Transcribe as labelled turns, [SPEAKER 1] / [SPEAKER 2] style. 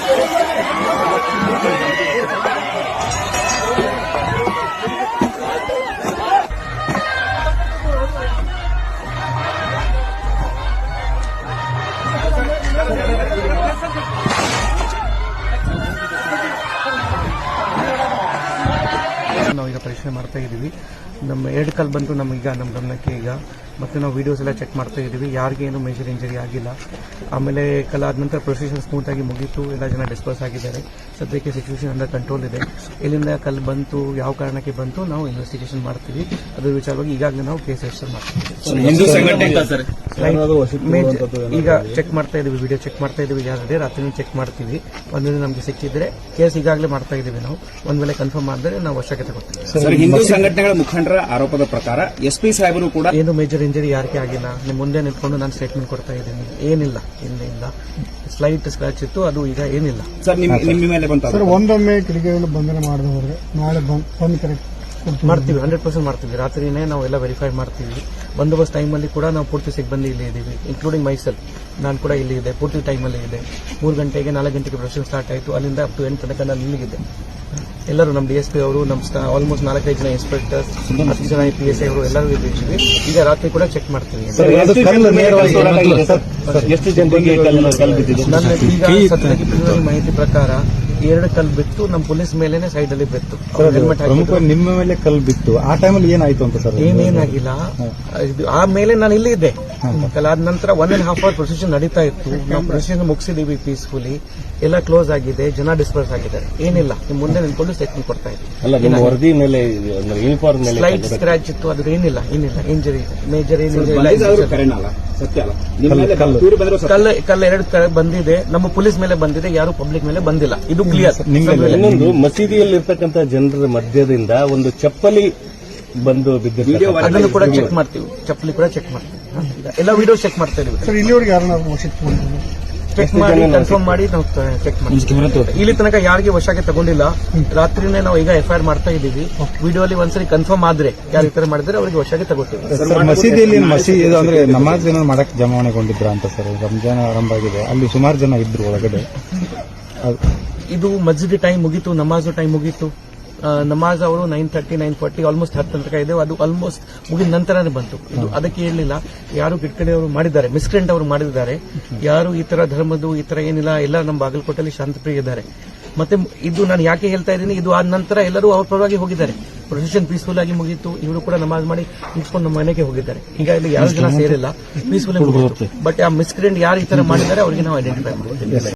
[SPEAKER 1] ನಾವೀಗ ಪರೀಕ್ಷೆ ಮಾಡ್ತಾ ಇದ್ದೀವಿ. ನಮ್ಮ 2 ಕಲ್ ಬಂತು ನಮಗೀಗ ನಮ್ಮ ಗಮನಕ್ಕೆ ಈಗ. ಮತ್ತು ನಾವು ವೀಡಿಯೋಸ್ ಎಲ್ಲ ಚೆಕ್ ಮಾಡ್ತಾ ಇದ್ದೀವಿ. ಯಾರಿಗೇನು ಮೇಜರ್ ಇಂಜರಿ ಆಗಿಲ್ಲ. ಆಮೇಲೆ ಕಲಾದ ನಂತರ ಪ್ರೊಸೀಜರ್ ಸ್ಮೂತ್ ಆಗಿ ಮುಗೀತು. ಎಲ್ಲ ಜನ ಡಿಸ್ಪರ್ಸ್ ಆಗಿದ್ದಾರೆ. ಸದ್ಯಕ್ಕೆ ಸಿಚುವೇಶನ್ ಅಂಡರ್ ಕಂಟ್ರೋಲ್ ಇದೆ. ಎಲ್ಲಿಂದ ಕಲ್ ಬಂತು, ಯಾವ ಕಾರಣಕ್ಕೆ ಬಂತು, ನಾವು ಇನ್ವೆಸ್ಟಿಗೇಷನ್ ಮಾಡ್ತೀವಿ. ಅದ್ರ ವಿಚಾರವಾಗಿ ಈಗಾಗಲೇ ನಾವು ಕೇಸ್ ರಿಜಿಸ್ಟರ್ ಮಾಡ್ತೀವಿ. ಈಗ ಚೆಕ್ ಮಾಡ್ತಾ ಇದೀವಿ, ವಿಡಿಯೋ ಚೆಕ್ ಮಾಡ್ತಾ ಇದೀವಿ. ಯಾರಿದೆ ರಾತ್ರಿ ಚೆಕ್ ಮಾಡ್ತೀವಿ. ಒಂದಿನ ನಮಗೆ ಸಿಕ್ಕಿದ್ರೆ ಕೇಸ್ ಈಗಾಗಲೇ ಮಾಡ್ತಾ ಇದೀವಿ ನಾವು. ಒಂದ್ ವೇಳೆ ಕನ್ಫರ್ಮ್ ಆದರೆ ನಾವು ವಶಕ್ಕೆ ತಗೋತೀವಿ.
[SPEAKER 2] ಹಿಂದೂ ಸಂಘಟನೆಗಳ ಮುಖಂಡರ ಆರೋಪದ ಪ್ರಕಾರ ಎಸ್ಪಿ ಸಾಹೇಬರು ಕೂಡ
[SPEAKER 1] ಏನು ಮೇಜರ್ ಇಂಜರಿ ಯಾರಿಗೆ ಆಗಿಲ್ಲ. ನಿಮ್ಮ ಮುಂದೆ ನಿಂತ್ಕೊಂಡು ನಾನು ಸ್ಟೇಟ್ಮೆಂಟ್ ಕೊಡ್ತಾ ಇದ್ದೀನಿ. ಏನಿಲ್ಲ, ಇಲ್ಲ ಸ್ಲೈಟ್ ಸ್ಕ್ರಾಚ್ ಇತ್ತು, ಅದು ಈಗ ಏನಿಲ್ಲ.
[SPEAKER 2] ಸರ್ ನಿಮ್ಮ ಮೇಲೆ ಬಂತ
[SPEAKER 3] ಸರ್ ಒಂದೊಮ್ಮೆ ಕಿಡಿಗೇಡಿಗಳು ಬಂಧನ ಮಾಡದೆ ಹೋದ್ರೆ ನಾಳೆ ಬಂದ್ ಕರೆಕ್ಟ್
[SPEAKER 1] ಮಾಡ್ತೀವಿ. 100% ಮಾಡ್ತೀವಿ. ರಾತ್ರಿನೇ ನಾವು ಎಲ್ಲ ವೆರಿಫೈ ಮಾಡ್ತೀವಿ. ಬಂದೋಬಸ್ತ್ ಟೈಮಲ್ಲಿ ಕೂಡ ನಾವು ಪೂರ್ತಿ ಸಿಬ್ಬಂದಿ ಇಲ್ಲಿ ಇದ್ದೀವಿ, ಇನ್ಕ್ಲೂಡಿಂಗ್ ಮೈಸೆಲ್ಫ್. ನಾನು ಕೂಡ ಇಲ್ಲಿ ಇದೆ, ಪೂರ್ತಿ ಟೈಮಲ್ಲಿ ಇದೆ. 3 ಗಂಟೆಗೆ 4 ಗಂಟೆಗೆ ಪ್ರೊಸೆಷನ್ ಸ್ಟಾರ್ಟ್ ಆಯಿತು. ಅಲ್ಲಿಂದ ಅಪ್ ಟು 8 ತನಕ ನಾನು ಇಲ್ಲಿಗಿದೆ. ಎಲ್ಲರೂ ನಮ್ಮ DSP ಅವರು, ನಮ್ಮ ಆಲ್ಮೋಸ್ಟ್ 4-5 ಜನ ಇನ್ಸ್ಪೆಕ್ಟರ್ಸ್, 10 ಜನ PSI ಅವರು ಎಲ್ಲರೂ ಇದ್ದೀವಿ. ಈಗ ರಾತ್ರಿ ಕೂಡ ಚೆಕ್ ಮಾಡ್ತೀವಿ. ನನ್ನ ಈಗ ಸದ್ಯಕ್ಕೆ ಮಾಹಿತಿ ಪ್ರಕಾರ 2 ಕಲ್ ಬಿತ್ತು. ನಮ್ಮ ಪೊಲೀಸ್ ಮೇಲೆನೆ ಸೈಡ್ ಅಲ್ಲಿ ಬಿತ್ತು.
[SPEAKER 3] ನಿಮ್ಮ ಮೇಲೆ ಕಲ್ ಬಿತ್ತು. ಆ ಟೈಮಲ್ಲಿ ಏನಾಯ್ತು ಅಂತ ಸರ್?
[SPEAKER 1] ಏನೇನಾಗಿಲ್ಲ. ಆಮೇಲೆ ನಾನು ಇಲ್ಲಿ ಇದ್ದೆ. ಕಲಾದ ನಂತರ 1.5 ಅವರ್ ಪ್ರೊಸೆಷನ್ ನಡೀತಾ ಇತ್ತು. ನಾವು ಪ್ರೊಸೆಷನ್ ಮುಗಿಸಿದೀವಿ ಪೀಸ್ಫುಲಿ. ಎಲ್ಲ ಕ್ಲೋಸ್ ಆಗಿದೆ, ಜನ ಡಿಸ್ಪರ್ಸ್ ಆಗಿದ್ದಾರೆ. ಏನಿಲ್ಲ, ನಿಮ್ ಮುಂದೆ ನಿಂತ್ಕೊಂಡು ಸ್ಟೇಟ್ಮೆಂಟ್ ಕೊಡ್ತಾ ಇದ್ದೀವಿ. ಸ್ಲೈಟ್ ಸ್ಕ್ರಾಚ್ ಇತ್ತು, ಅದ್ರ ಏನಿಲ್ಲ ಇಂಜರಿ, ಮೇಜರ್ ಕಲ್ಲು 2 ಬಂದಿದೆ. ನಮ್ಮ ಪೊಲೀಸ್ ಮೇಲೆ ಬಂದಿದೆ, ಯಾರು ಪಬ್ಲಿಕ್ ಮೇಲೆ ಬಂದಿಲ್ಲ. ಇದು ಕ್ಲಿಯರ್.
[SPEAKER 4] ಇನ್ನೊಂದು, ಮಸೀದಿಯಲ್ಲಿರ್ತಕ್ಕಂಥ ಜನರ ಮಧ್ಯದಿಂದ ಒಂದು ಚಪ್ಪಲಿ ಬಂದು ಬಿದ್ದಿದೆ.
[SPEAKER 1] ಅದನ್ನು ಕೂಡ ಚೆಕ್ ಮಾಡ್ತೀವಿ. ಚಪ್ಪಲಿ ಕೂಡ ಚೆಕ್ ಮಾಡ್ತೀವಿ. ಎಲ್ಲ ವಿಡಿಯೋ ಚೆಕ್ ಮಾಡ್ತಾ ಇದೀವಿ.
[SPEAKER 3] ಸರ್ ಇಲ್ಲಿವರೆಗೆ ಯಾರನ್ನ
[SPEAKER 1] ಚೆಕ್ ಮಾಡಿ ಕನ್ಫರ್ಮ್ ಮಾಡಿ ನಾವು ಚೆಕ್ ಮಾಡ್ತೀವಿ. ಇಲ್ಲಿ ತನಕ ಯಾರಿಗೆ ವಶಕ್ಕೆ ತಗೊಂಡಿಲ್ಲ. ರಾತ್ರಿನೇ ನಾವು ಈಗ FIR ಮಾಡ್ತಾ ಇದ್ದೀವಿ. ವಿಡಿಯೋ ಅಲ್ಲಿ ಒಂದ್ಸರಿ ಕನ್ಫರ್ಮ್ ಆದ್ರೆ ಯಾರು ಈ ತರ ಮಾಡಿದ್ರೆ ಅವರಿಗೆ ವಶಕ್ಕೆ ತಗೋತೀವಿ.
[SPEAKER 3] ಮಸೀದಿಯಲ್ಲಿ ಅಂದ್ರೆ ನಮಾಜ್ ಜನ ಮಾಡಕ್ ಜಮಾವಣೆಗೊಂಡಿದ್ರ ಅಂತ ಸರ್. ರಂಜಾನ್ ಆರಂಭ ಆಗಿದೆ, ಅಲ್ಲಿ ಸುಮಾರು ಜನ ಇದ್ರು ಒಳಗಡೆ.
[SPEAKER 1] ಇದು ಮಸ್ಜಿದ್ ಟೈಮ್ ಮುಗೀತು, ನಮಾಜು ಟೈಮ್ ಮುಗೀತು. ನಮಾಜ್ ಅವರು 9:30, 9:40 ಆಲ್ಮೋಸ್ಟ್ 10 ತನಕ ಇದೆ. ಅದು ಆಲ್ಮೋಸ್ಟ್ ಮುಗಿದ ನಂತರನೇ ಬಂತು. ಇದು ಅದಕ್ಕೆ ಹೇಳಲಿಲ್ಲ. ಯಾರು ಕಿಟ್ಕಡೆಯವರು ಮಾಡಿದ್ದಾರೆ, ಮಿಸ್ಕ್ರೆಂಟ್ ಅವರು ಮಾಡಿದ್ದಾರೆ. ಯಾರು ಈ ತರ ಧರ್ಮದ್ದು ಈ ತರ ಏನಿಲ್ಲ. ಎಲ್ಲ ನಮ್ಮ ಬಾಗಲಕೋಟೆಯಲ್ಲಿ ಶಾಂತಪ್ರಿಯ ಇದ್ದಾರೆ. ಮತ್ತೆ ಇದು ನಾನು ಯಾಕೆ ಹೇಳ್ತಾ ಇದ್ದೀನಿ, ಇದು ಆದ ನಂತರ ಎಲ್ಲರೂ ಅವ್ರ ಪರವಾಗಿ ಹೋಗಿದ್ದಾರೆ. ಪ್ರೊಸೆಷನ್ ಪೀಸ್ಫುಲ್ ಆಗಿ ಮುಗೀತು. ಇವರು ಕೂಡ ನಮಾಜ್ ಮಾಡಿ ನಿಂತ್ಕೊಂಡು ನಮ್ಮ ಮನೆಗೆ ಹೋಗಿದ್ದಾರೆ. ಈಗ ಇಲ್ಲಿ ಯಾರು ಜನ ಸೇರಿಲ್ಲ, ಪೀಸ್ಫುಲ್ ಆಗಿ ಮುಗಿತು. ಬಟ್ ಆ ಮಿಸ್ಕ್ರೆಂಟ್ ಯಾರು ಈ ತರ ಮಾಡಿದ್ದಾರೆ ಅವರಿಗೆ ನಾವು ಐಡೆಂಟಿಫೈ ಮಾಡ್ತೀವಿ.